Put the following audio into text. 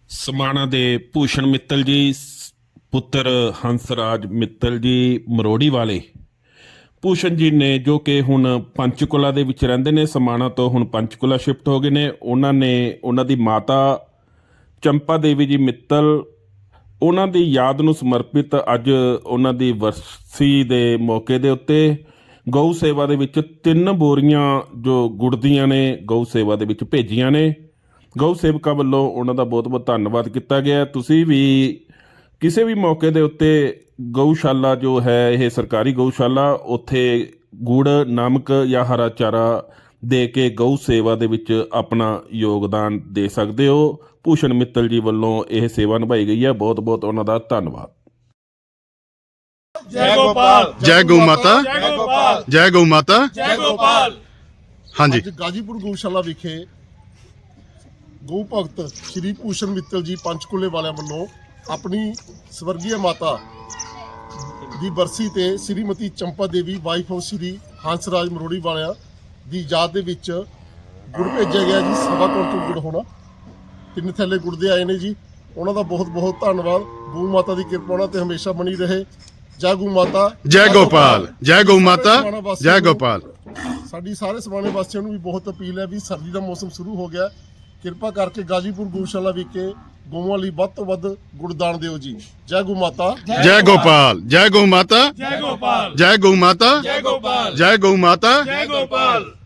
ਸਮਾਣਾ ਦੇ ਭੂਸ਼ਣ ਮਿੱਤਲ ਜੀ ਪੁੱਤਰ ਹੰਸਰਾਜ ਮਿੱਤਲ ਜੀ ਮਰੋੜੀ ਵਾਲੇ ਭੂਸ਼ਣ ਜੀ ਨੇ ਜੋ ਕਿ ਹੁਣ ਪੰਚਕੂਲਾ ਦੇ ਵਿੱਚ ਰਹਿੰਦੇ ਨੇ। ਸਮਾਣਾ ਤੋਂ ਹੁਣ ਪੰਚਕੂਲਾ ਸ਼ਿਫਟ ਹੋ ਗਏ ਨੇ। ਉਹਨਾਂ ਦੀ ਮਾਤਾ ਚੰਪਾ ਦੇਵੀ ਜੀ ਮਿੱਤਲ, ਉਹਨਾਂ ਦੀ ਯਾਦ ਨੂੰ ਸਮਰਪਿਤ ਅੱਜ ਉਹਨਾਂ ਦੀ ਵਰਸੀ ਦੇ ਮੌਕੇ ਦੇ ਉੱਤੇ ਗਊ ਸੇਵਾ ਦੇ ਵਿੱਚ 3 ਬੋਰੀਆਂ ਜੋ ਗੁੜ ਦੀਆਂ ਨੇ ਗਊ ਸੇਵਾ ਦੇ ਵਿੱਚ ਭੇਜੀਆਂ ਨੇ। ਗਊ ਸੇਵਕਾਂ ਵੱਲੋਂ ਉਹਨਾਂ ਦਾ ਬਹੁਤ ਬਹੁਤ ਧੰਨਵਾਦ ਕੀਤਾ ਗਿਆ। ਤੁਸੀਂ ਵੀ ਕਿਸੇ ਵੀ ਮੌਕੇ ਦੇ ਉੱਤੇ ਗਊਸ਼ਾਲਾ ਜੋ ਹੈ, ਇਹ ਸਰਕਾਰੀ ਗਊਸ਼ਾਲਾ, ਉੱਥੇ ਗੁੜ, ਨਮਕ ਜਾਂ ਹਰਾ ਚਾਰਾ ਦੇ ਕੇ ਗਊ ਸੇਵਾ ਦੇ ਵਿੱਚ ਆਪਣਾ ਯੋਗਦਾਨ ਦੇ ਸਕਦੇ ਹੋ। ਭੂਸ਼ਣ ਮਿੱਤਲ ਜੀ ਵੱਲੋਂ ਇਹ ਸੇਵਾ ਨਿਭਾਈ ਗਈ ਹੈ। ਬਹੁਤ ਬਹੁਤ ਉਹਨਾਂ ਦਾ ਧੰਨਵਾਦ। जय गोपाल, जय गौ माता, जय गोपाल, जय गौ माता, जय गोपाल। हाँ जी। ਅੱਜ ਗਾਜੀਪੁਰ ਗਊਸ਼ਾਲਾ ਵਿਖੇ ਗਊ ਭਗਤ ਸ਼੍ਰੀ ਭੂਸ਼ਣ ਮਿੱਤਲ ਜੀ ਪੰਚਕੂਲੇ ਵਾਲਿਆਂ ਵੱਲੋਂ ਆਪਣੀ ਸਵਰਗੀ ਮਾਤਾ ਦੀ ਬਰਸੀ ਤੇ ਸ਼੍ਰੀਮਤੀ ਚੰਪਾ ਦੇਵੀ ਵਾਈਫ ਆਫ ਸ਼੍ਰੀ ਹੰਸਰਾਜ ਮਰੋੜੀ ਵਾਲਿਆਂ ਦੀ ਯਾਦ ਦੇ ਵਿੱਚ ਗੁੜ ਭੇਜਿਆ ਗਿਆ ਜੀ। 1.25 ਕੁਇੰਟਲ ਗੁੜ ਹੋਣਾ, 3 ਥੈਲੇ ਗੁੜ ਦੇ ਆਏ ਨੇ ਜੀ। ਉਹਨਾਂ ਦਾ ਬਹੁਤ ਬਹੁਤ ਧੰਨਵਾਦ। ਗਊ ਮਾਤਾ ਦੀ ਕਿਰਪਾ ਉਹਨਾਂ ਤੇ ਹਮੇਸ਼ਾ ਬਣੀ ਰਹੇ। ਜੈ ਗਊ ਮਾਤਾ, जय गोपाल, जय गौ माता, जय गोपाल। ਸਾਡੀ ਸਾਰੇ ਸਮਾਣੇ ਵਾਸੀਆਂ ਨੂੰ ਵੀ ਬਹੁਤ ਅਪੀਲ ਹੈ ਵੀ ਸਰਦੀ ਦਾ ਮੌਸਮ ਸ਼ੁਰੂ ਹੋ ਗਿਆ, ਕਿਰਪਾ ਕਰਕੇ ਗਾਜੀਪੁਰ ਗਊਸ਼ਾਲਾ ਵਿਖੇ ਗਊਆਂ ਲਈ ਵੱਧ ਤੋਂ ਵੱਧ ਗੁੜਦਾਨ ਦਿਓ ਜੀ। ਜੈ ਗਊ ਮਾਤਾ, जय गोपाल, जय गौ माता, जय गोपाल, जय गौ माता, जय गोपाल, जय गौ माता। जय गोपाल।